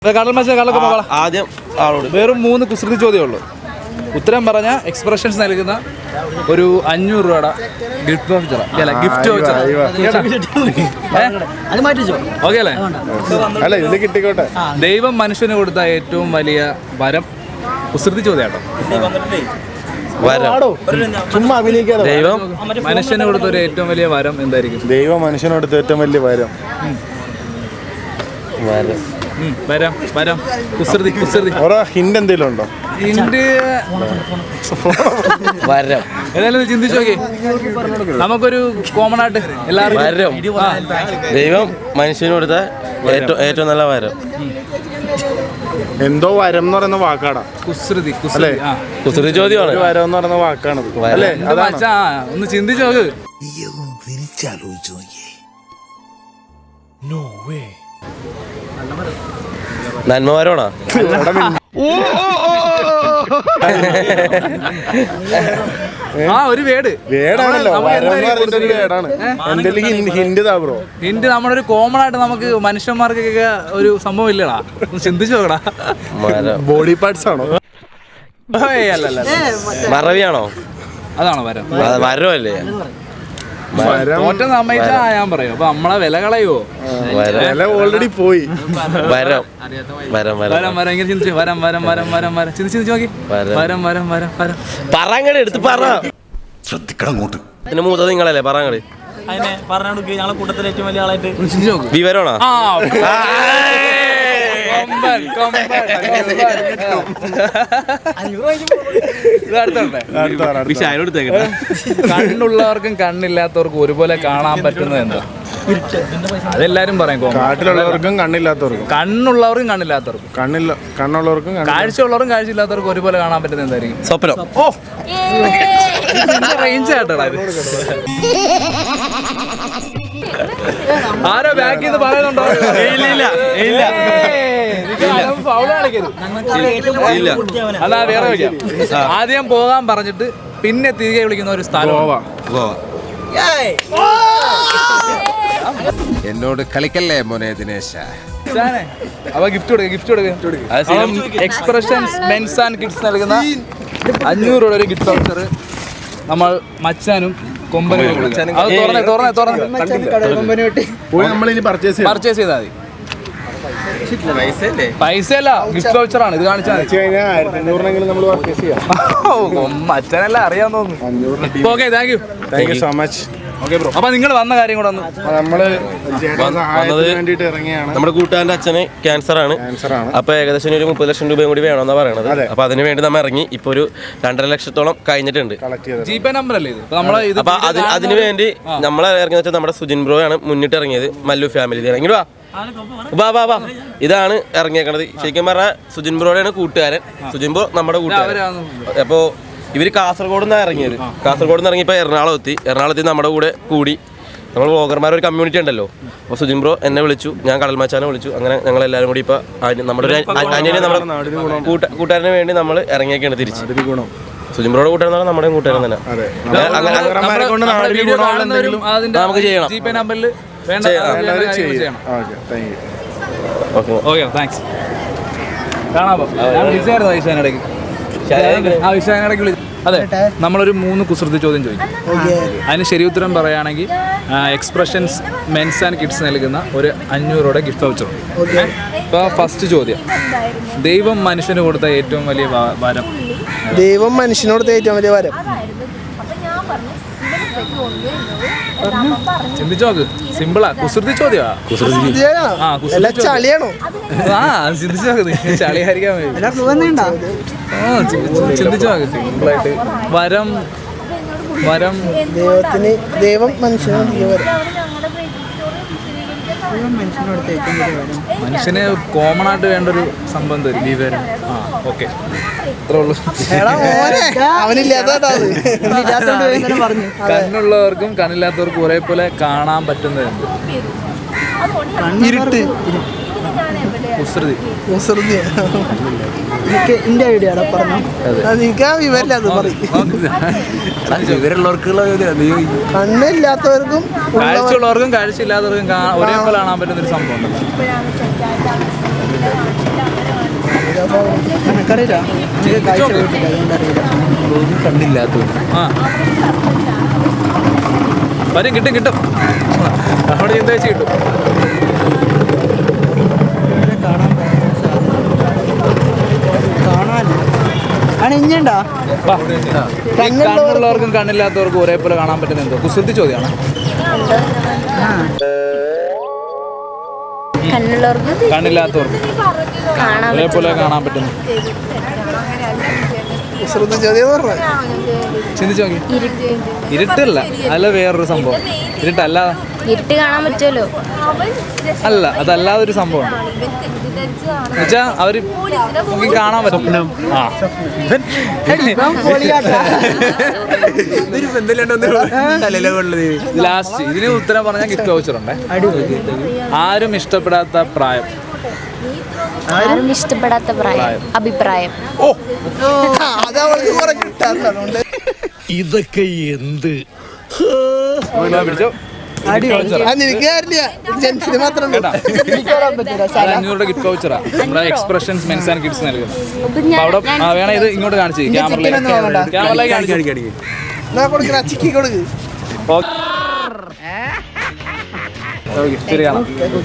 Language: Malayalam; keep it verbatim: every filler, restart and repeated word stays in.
ആദ്യം വെറും മൂന്ന് കുസൃതി ചോദ്യമുള്ളൂ. ഉത്തരം പറഞ്ഞ എക്സ്പ്രഷൻസ് നൽകുന്ന ഒരു അഞ്ഞൂറ് രൂപയുടെ ഗിഫ്റ്റ് വൗച്ചർ അല്ല ഗിഫ്റ്റ് വൗച്ചർ ഓക്കെ അല്ലേ? കിട്ടിക്കോട്ടെ. ദൈവം മനുഷ്യന് കൊടുത്ത ഏറ്റവും വലിയ വരം കുസൃതി ചോദ്യം കേട്ടോ. ചുമ്മാ അഭിനയിക്കാതെ. ദൈവം മനുഷ്യന് കൊടുത്ത ഒരു ഏറ്റവും വലിയ വരം എന്തായിരിക്കും? ദൈവം മനുഷ്യന് കൊടുത്ത ഏറ്റവും വലിയ വരം വരം വരം കുസൃതി കുസൃതി ഹിന്റ് എന്തെങ്കിലും ഉണ്ടോ? ഹിന്റ് വരം ഏതായാലും ചിന്തിച്ചു നോക്കി. നമുക്കൊരു കോമൺ ആയിട്ട് എല്ലാവരും ദൈവം മനുഷ്യന് കൊടുത്ത ഏറ്റവും ഏറ്റവും നല്ല വരം എന്തോ വരം എന്ന് പറയുന്ന വാക്കാടാ കുസൃതി കുസൃതി കുസൃതി ചോദ്യമാണ്. വരം എന്ന് പറയുന്ന വാക്കാണ് അല്ലേ? ഒന്ന് ചിന്തിച്ചു നോക്ക്. നന്മവരോണോ? ആ ഒരു വേട് വേടാണല്ലോ. ഹിന്റ് നമ്മുടെ ഒരു കോമൺ ആയിട്ട് നമുക്ക് മനുഷ്യന്മാർക്കൊക്കെ ഒരു സംഭവം ഇല്ലടാ. ചിന്തിച്ചു നോക്കടാ. ബോഡി പാർട്സ് ആണോ? മറവിയാണോ? അതാണോ വരം? വരമല്ലേ? തോറ്റ സമ്മതിച്ചാ ഞാൻ പറയും. അപ്പൊ നമ്മളെ വില കളയുവോ? ഓൾറെഡി പോയി. വരം വരം വരം വരം ഇങ്ങനെ ചിന്തിച്ചു. വരം വരം വരം വരം വരം ചിന്തിച്ച് ചിന്തിച്ച് നോക്കി. വരം വരം വരം വരം പറങ്ങട് എടുത്ത് പറ. ശ്രദ്ധിക്കണം അങ്ങോട്ട്. പിന്നെ മൂത്തത് നിങ്ങളല്ലേ പറങ്ങട്. അതിനെ പറഞ്ഞു ഞങ്ങളെ കൂട്ടത്തിലെ ഏറ്റവും വലിയ ആളായിട്ട് ചിന്തിച്ച് നോക്ക്. വിവരണോ? കണ്ണുള്ളവർക്കും കണ്ണില്ലാത്തവർക്കും ഒരുപോലെ കാണാൻ പറ്റുന്നത് എന്താ? അതെല്ലാരും പറയും. കാട്ടിലുള്ളവർക്കും കണ്ണില്ലാത്തവർക്കും കണ്ണുള്ളവർക്കും കണ്ണില്ലാത്തവർക്കും കണ്ണില്ല കണ്ണുള്ളവർക്കും കാഴ്ചയുള്ളവർക്കും കാഴ്ചയില്ലാത്തവർക്കും ഒരുപോലെ കാണാൻ പറ്റുന്നത് എന്തായിരിക്കും? സ്വപ്നം. ഓ റേഞ്ച് ആയിട്ടാ ഇത്. ആരോ ബാക്കിൽ നിന്ന് പറയുന്നുണ്ടോ? അല്ല വേറെ വയ്ക്കാം. ആദ്യം പോകാൻ പറഞ്ഞിട്ട് പിന്നെ തിരികെ വിളിക്കുന്ന ഒരു സ്ഥലം. എന്നോട് കളിക്കല്ലേ മോനെ ദിനേശ. അപ്പൊ ഗിഫ്റ്റ് കൊടുക്കുക ഗിഫ്റ്റ് കൊടുക്കുക എക്സ്പ്രഷൻസ് മെൻസ് ആൻഡ് കിഡ്സ് നൽകുന്ന അഞ്ഞൂറ് രൂപയുടെ ഒരു ഗിഫ്റ്റ് വൗച്ചർ നമ്മൾ മച്ചാനും കൊമ്പനും പർച്ചേസ് ചെയ്താൽ മതി. പൈസയല്ല ഗിഫ്റ്റ് വൗച്ചറാണ്. ഇത് കാണിച്ചാൽ മച്ചാനല്ല അറിയാൻ തോന്നുന്നു. Okay thank you thank you so much. അപ്പൊ നിങ്ങൾ വന്ന കാര്യം കൂടെ ഒന്ന്. നമ്മള് വേണ്ടിട്ട് ഇറങ്ങിയാണ്. നമ്മുടെ കൂട്ടുകാരന്റെ അച്ഛന് ക്യാൻസർ ആണ്. അപ്പൊ ഏകദേശം ഒരു മുപ്പത് ലക്ഷം രൂപയും കൂടി വേണമെന്നാ പറയണത്. അപ്പൊ അതിന് വേണ്ടി നമ്മൾ ഇറങ്ങി. ഇപ്പൊ ഒരു രണ്ടര ലക്ഷത്തോളം കഴിഞ്ഞിട്ടുണ്ട്. ജി പേ നമ്പർ അല്ലേ ഇത്? അപ്പൊ അതിന് വേണ്ടി നമ്മളെ ഇറങ്ങിയ വെച്ചാൽ നമ്മുടെ സുജിൻ ബ്രോ ആണ് മുന്നിട്ട് ഇറങ്ങിയത്. മല്ലു ഫാമിലി ഇറങ്ങി വാ വാ വാ വാ ഇതാണ് ഇറങ്ങിയേക്കണത്. ശരിക്കും പറഞ്ഞാൽ സുജിൻ ബ്രോയുടെ കൂട്ടുകാരൻ. സുജിൻ ബ്രോ നമ്മുടെ കൂട്ടുകാരൻ. അപ്പോ ഇവര് കാസർഗോഡ് നിന്നാണ് ഇറങ്ങിയത്. കാസർഗോഡ് നിന്ന് ഇറങ്ങിയപ്പോൾ എറണാകുളം എത്തി. എറണാകുളത്ത് നമ്മുടെ കൂടെ കൂടി നമ്മൾ വ്ളോഗർമാർ ഒരു കമ്മ്യൂണിറ്റി ഉണ്ടല്ലോ. അപ്പോൾ സുജിൻ ബ്രോ എന്നെ വിളിച്ചു, ഞാൻ കടൽമാച്ചാനെ വിളിച്ചു. അങ്ങനെ ഞങ്ങൾ എല്ലാവരും കൂടി ഇപ്പോൾ നമ്മുടെ ഒരു അനിയനെ നമ്മുടെ കൂട്ടുകാരന് വേണ്ടി നമ്മൾ ഇറങ്ങിയൊക്കെയാണ് തിരിച്ച്. സുജിൻ ബ്രോയുടെ കൂട്ടുകാരൻ നമ്മുടെ കൂട്ടുകാരൻ തന്നെ. നമുക്ക് ചെയ്യണം. അതെ, നമ്മളൊരു മൂന്ന് കുസൃതി ചോദ്യം ചോദിക്കും. അതിന് ശരി ഉത്തരം പറയുകയാണെങ്കിൽ എക്സ്പ്രഷൻസ് മെൻസ് ആൻഡ് കിഡ്സ് നൽകുന്ന ഒരു അഞ്ഞൂറോടെ ഗിഫ്റ്റ് വൗച്ചർ. ഇപ്പോൾ ഫസ്റ്റ് ചോദ്യം, ദൈവം മനുഷ്യന് കൊടുത്ത ഏറ്റവും വലിയ വരം? ദൈവം മനുഷ്യന് കൊടുത്ത ഏറ്റവും വലിയ വരം ചിന്തിച്ചു നോക്ക്. സിമ്പിളാ, കുസൃതി ചോദ്യമാ. ചളിയാണോ? ആ ചിന്തിച്ചു നോക്ക്. ചളിയായിരിക്കാൻ ചിന്തിച്ചു നോക്ക്. സിമ്പിളായിട്ട് വരം വരം ദൈവത്തിന് ദൈവം മനുഷ്യന് മനുഷ്യന് കോമൺ ആയിട്ട് വേണ്ട ഒരു സംഭവം തരും ഈ വരം. ആ ഓക്കെ, അത്രേ ഉള്ളൂ. കണ്ണുള്ളവർക്കും കണ്ണില്ലാത്തവർക്കും ഒരേപോലെ കാണാൻ പറ്റുന്നത് ഇരുട്ട്. കുസൃതി കുസൃതി എന്റെ ഐഡിയ പറഞ്ഞു. എനിക്ക് ആ വിവരമില്ല. അത് വിവരമുള്ളവർക്കുള്ള കണ്ണില്ലാത്തവർക്കും കാഴ്ചയുള്ളവർക്കും കാഴ്ചയില്ലാത്തവർക്കും ഒരേപോലെ കാണാൻ പറ്റുന്ന ഒരു സംഭവം ഉണ്ടല്ലോ. എനിക്കറിയില്ല എനിക്ക് കാഴ്ച പോയിട്ടില്ല അതുകൊണ്ട് അറിയില്ല കണ്ടില്ലാത്ത ആ വരും കിട്ടും കിട്ടും അവിടെ ചിന്ത വെച്ച് കിട്ടും. കാണാൻ ആണ് ഇഞ്ഞണ്ടാ വാ. ഈ കണ്ണുള്ളവർക്കും കണ്ണില്ലാത്തവർക്കും ഒരേപോലെ കാണാൻ പറ്റുന്ന എന്തോ കുസൃതി ചോദ്യമാണ്. കണ്ണുള്ളവർക്ക് കണ്ണില്ലാത്തവർക്കും കാണാൻ ഒരേപോലെ കാണാൻ പറ്റുന്നു. ചോദ്യം പറഞ്ഞു ചിന്തിച്ചു നോക്കി. ഇരുട്ടല്ല അല്ല വേറൊരു സംഭവം. ഇരുട്ടല്ല ഇരുട്ട് കാണാൻ പറ്റുമല്ലോ. അല്ല അതല്ലാതെ ഒരു സംഭവം എന്നുവെച്ചാ അവര് നോക്കി കാണാൻ പറ്റും. ആ ലാസ്റ്റ് ഇതിന് ഉത്തരം പറഞ്ഞാൽ ഗിഫ്റ്റ് വൗച്ചർ ഉണ്ട്. ആരും ഇഷ്ടപ്പെടാത്ത പ്രായം. ആരും ഇഷ്ടപ്പെടാത്ത പ്രായം അഭിപ്രായം. ഓ അതവൾക്ക് കുറെ കിട്ടാത്തതുകൊണ്ട് ഇതൊക്കെ എന്ത് പിടിച്ചോ. നിനക്ക് കാര്യമില്ല ജെൻസിന് മാത്രം അഞ്ഞൂറ് ഗിഫ്റ്റ് വൗച്ചറാ നമ്മുടെ എക്സ്പ്രഷൻസ് മെൻസ് ആൻഡ് കിഡ്സ് നൽകുന്നത്. അപ്പൊ അപ്പൊ ഞാൻ അവിടെ ആ, വേണം ഇത് ഇങ്ങോട്ട് കാണിച്ചു ക്യാമറയിലേക്ക് ക്യാമറയിലേക്ക് കാണിച്ചു. കൊടുക്കുന്ന ചിക്കി കൊടുക്ക് ഓക്കെ ശരി കാണാം.